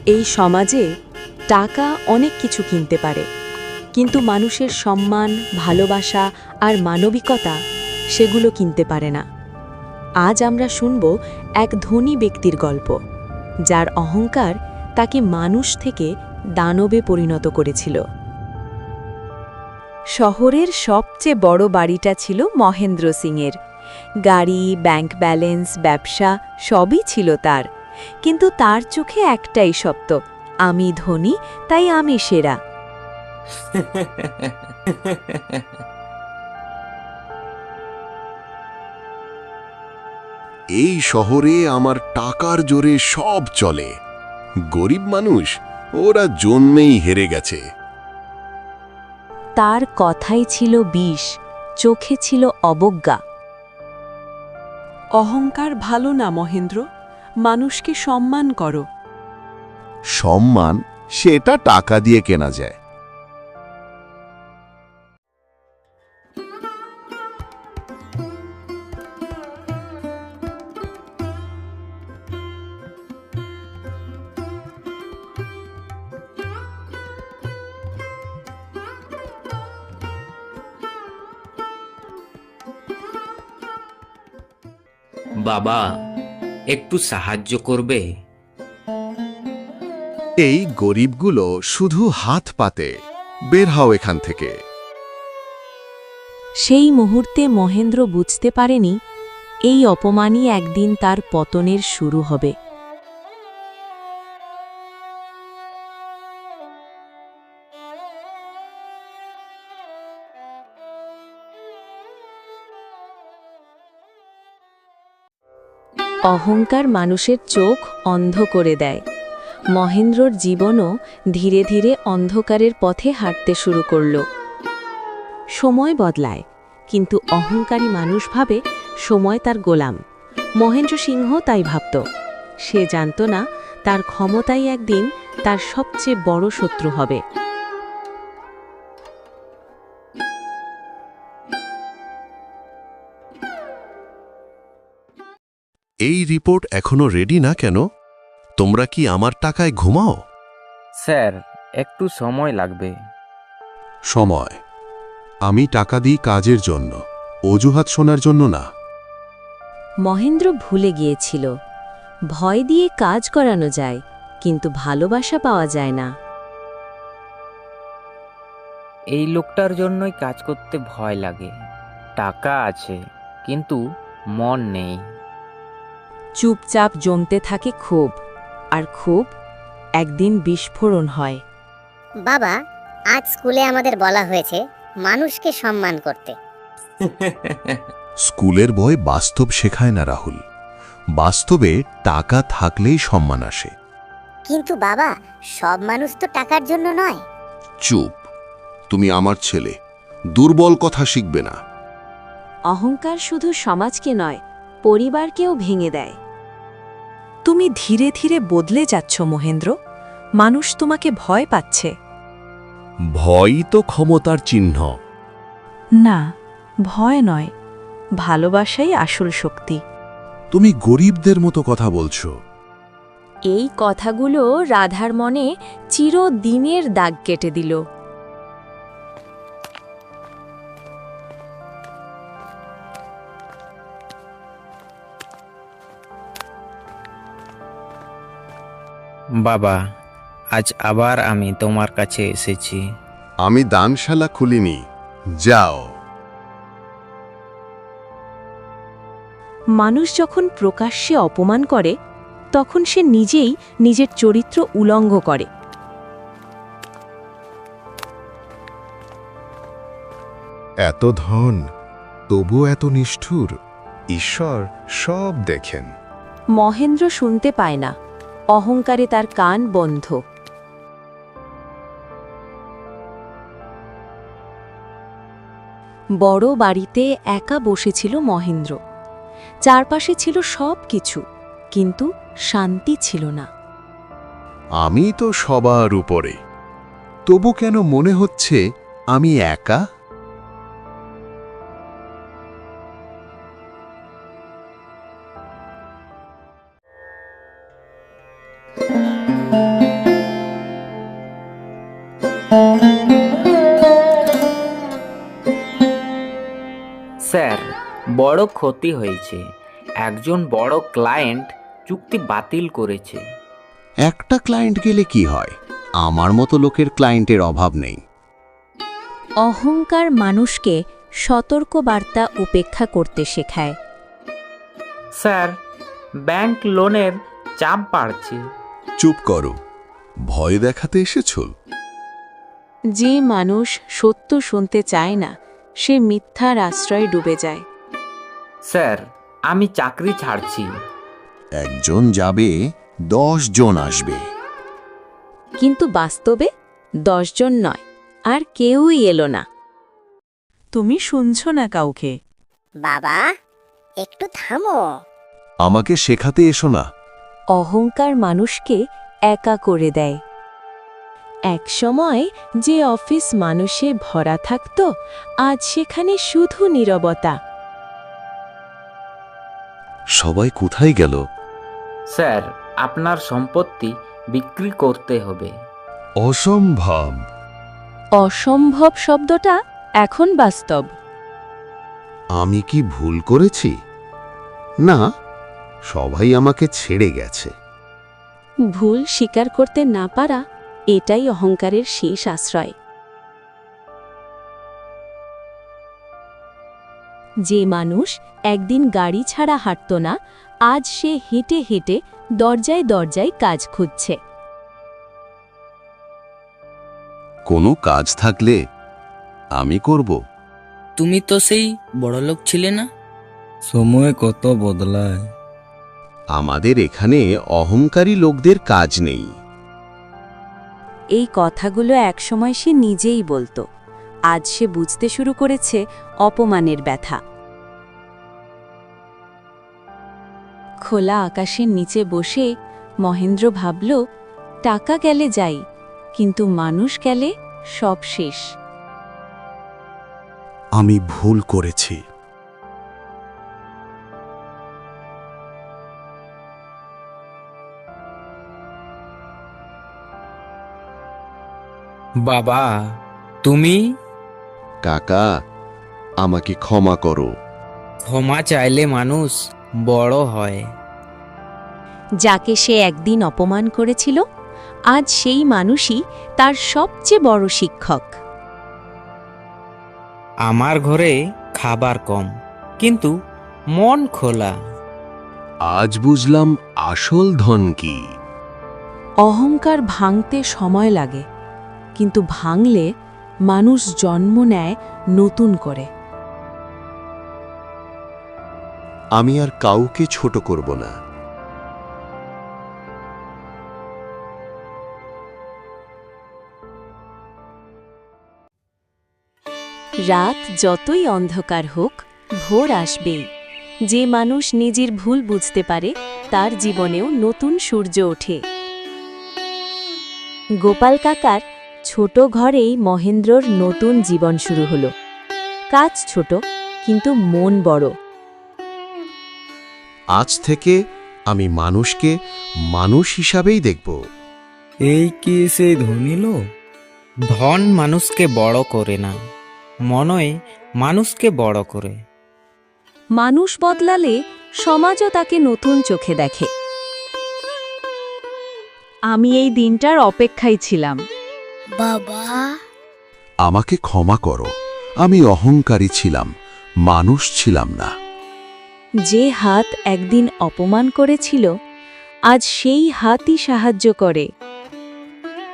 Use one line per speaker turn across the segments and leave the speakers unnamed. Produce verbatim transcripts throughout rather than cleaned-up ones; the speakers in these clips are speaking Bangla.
এই সমাজে টাকা অনেক কিছু কিনতে পারে, কিন্তু মানুষের সম্মান, ভালোবাসা আর মানবিকতা সেগুলো কিনতে পারে না। আজ আমরা শুনব এক ধনী ব্যক্তির গল্প, যার অহংকার তাকে মানুষ থেকে দানবে পরিণত করেছিল। শহরের সবচেয়ে বড় বাড়িটা ছিল মহেন্দ্র সিংয়ের। গাড়ি, ব্যাংক ব্যালেন্স, ব্যবসা সবই ছিল তার, কিন্তু তার চোখে একটাই সত্য, আমি ধনী তাই আমি সেরা।
এই শহরে আমার টাকার জোরে সব চলে। গরিব মানুষ ওরা জন্মেই হেরে গেছে।
তার কথাই ছিল বিষ, চোখে ছিল অবজ্ঞা।
অহংকার ভালো না মহেন্দ্র, মানুষকে সম্মান করো।
সম্মান সেটা টাকা দিয়ে কেনা যায়।
বাবা, একটু সাহায্য করবে?
এই গরিবগুলো শুধু হাত পাতে, বের হও এখান থেকে।
সেই মুহূর্তে মহেন্দ্র বুঝতে পারেনি এই অপমানই একদিন তার পতনের শুরু হবে। অহংকার মানুষের চোখ অন্ধ করে দেয়। মহেন্দ্রর জীবনও ধীরে ধীরে অন্ধকারের পথে হাঁটতে শুরু করল। সময় বদলায়, কিন্তু অহংকারী মানুষ ভাবে সময় তার গোলাম। মহেন্দ্র সিংহ তাই ভাবত। সে জানত না তার ক্ষমতাই একদিন তার সবচেয়ে বড় শত্রু হবে।
এই রিপোর্ট এখনো রেডি না কেন? তোমরা কি আমার টাকায় ঘুমাও?
স্যার, একটু সময় লাগবে।
সময়? আমি টাকা দিই কাজের জন্য, অজুহাত শোনার জন্য না।
মহেন্দ্র ভুলে গিয়েছিল, ভয় দিয়ে কাজ করানো যায়, কিন্তু ভালোবাসা পাওয়া যায় না।
এই লোকটার জন্যই কাজ করতে ভয় লাগে। টাকা আছে, কিন্তু মন নেই।
চুপচাপ জমতে থাকে ক্ষোভ, আর ক্ষোভ একদিন বিস্ফোরণ হয়।
বাবা, আজ স্কুলে আমাদের বলা হয়েছে মানুষকে সম্মান করতে।
স্কুলের বই বাস্তব শেখায় না রাহুল। বাস্তবে টাকা থাকলেই সম্মান আসে।
কিন্তু বাবা, সব মানুষ তো টাকার জন্য নয়।
চুপ, তুমি আমার ছেলে, দুর্বল কথা শিখবে না।
অহংকার শুধু সমাজকে নয়, পরিবারকেও ভেঙে দেয়। তুমি ধীরে ধীরে বদলে যাচ্ছ মহেন্দ্র, মানুষ তোমাকে ভয় পাচ্ছে।
ভয়ই তো ক্ষমতার চিহ্ন।
না, ভয় নয়, ভালোবাসাই আসল শক্তি।
তুমি গরিবদের মতো কথা বলছো।
এই কথাগুলো রাধার মনে চিরদিনের দাগ কেটে দিল।
বাবা, আজ আবার আমি তোমার কাছে এসেছি।
আমি দানশালা খুলিনি, যাও।
মানুষ যখন প্রকাশ্যে অপমান করে, তখন সে নিজেই নিজের চরিত্র উলঙ্গ করে।
এত ধন, তবু এত নিষ্ঠুর। ঈশ্বর সব দেখেন।
মহেন্দ্র শুনতে পায় না, অহংকারে তার কান বন্ধ। বড় বাড়িতে একা বসেছিল মহেন্দ্র। চারপাশে ছিল সব কিছু, কিন্তু শান্তি ছিল না।
আমি তো সবার উপরে, তবু কেন মনে হচ্ছে আমি একা?
বড় ক্ষতি হয়েছে। একজন বড় ক্লায়েন্ট চুক্তি বাতিল করেছে।
একটা ক্লায়েন্ট গেলে কি হয়, আমার মতো লোকের ক্লায়েন্টের অভাব নেই।
অহংকার মানুষকে সতর্ক বার্তা উপেক্ষা করতে শেখায়।
স্যার, ব্যাংক লোনের চাপ বাড়ছে।
চুপ করো, ভয় দেখাতে এসেছো?
যে মানুষ সত্য শুনতে চায় না, সে মিথ্যার আশ্রয়ে ডুবে যায়।
স্যার, আমি চাকরি ছাড়ছি।
একজন যাবে, দশ জন আসবে।
কিন্তু বাস্তবে দশজন নয়, আর কেউই এলো না।
তুমি শুনছো না কাউকে।
বাবা, একটু থামো।
আমাকে শেখাতে এসো না।
অহংকার মানুষকে একা করে দেয়। এক সময় যে অফিস মানুষে ভরা থাকত, আজ সেখানে শুধু নীরবতা।
সবাই কোথায় গেল?
স্যার, আপনার সম্পত্তি বিক্রি করতে হবে।
অসম্ভব।
অসম্ভব শব্দটা এখন বাস্তব।
আমি কি ভুল করেছি? না, সবাই আমাকে ছেড়ে গেছে।
ভুল স্বীকার করতে না পারা, এটাই অহংকারের শেষ আশ্রয়। যে মানুষ একদিন গাড়ি ছাড়া হাঁটত না, আজ সে হেঁটে হেঁটে দরজায় দরজায় কাজ খুঁজছে।
কোনো কাজ থাকলে আমি করব।
তুমি তো সেই বড়লোক ছিলে না। সময় কত বদলায়।
আমাদের এখানে অহংকারী লোকদের কাজ নেই।
এই কথাগুলো একসময় সে নিজেই বলতো, আজ সে বুঝতে শুরু করেছে অপমানের ব্যথা। খোলা আকাশের নিচে বসে মহেন্দ্র ভাবল, টাকা গেলে যাই, কিন্তু মানুষ গেলে সব শেষ।
আমি ভুল করেছি।
বাবা, তুমি?
কাকা, আমাকে ক্ষমা করো।
ক্ষমা চাইলে মানুষ বড় হয়।
যাকে সে একদিন অপমান করেছিল, আজ সেই মানুষই তার সবচেয়ে বড় শিক্ষক।
আমার ঘরে খাবার কম, কিন্তু মন খোলা।
আজ বুঝলাম আসল ধন কি।
অহংকার ভাঙতে সময় লাগে, কিন্তু ভাঙলে মানুষ জন্ম নেয় নতুন করে।
আমি আর কাউকে ছোট করব না।
রাত যতই অন্ধকার হোক, ভোর আসবেই। যে মানুষ নিজের ভুল বুঝতে পারে, তার জীবনেও নতুন সূর্য ওঠে। গোপাল কাকার ছোট ঘরেই মহেন্দ্রর নতুন জীবন শুরু হলো। কাজ ছোট, কিন্তু মন বড়।
আজ থেকে আমি মানুষকে মানুষ হিসাবেই দেখব।
এই কি সেই ধনী লোক?
ধন মানুষকে বড় করে না, মনই মানুষকে বড় করে।
মানুষ বদলালে সমাজও তাকে নতুন চোখে দেখে। আমি এই দিনটার অপেক্ষায় ছিলাম।
বাবা,
আমাকে ক্ষমা করো, আমি অহংকারী ছিলাম, মানুষ ছিলাম না।
যে হাত একদিন অপমান করেছিল, আজ সেই হাতই সাহায্য করে।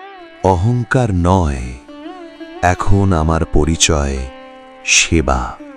অহংকার নয়, এখন আমার পরিচয় সেবা।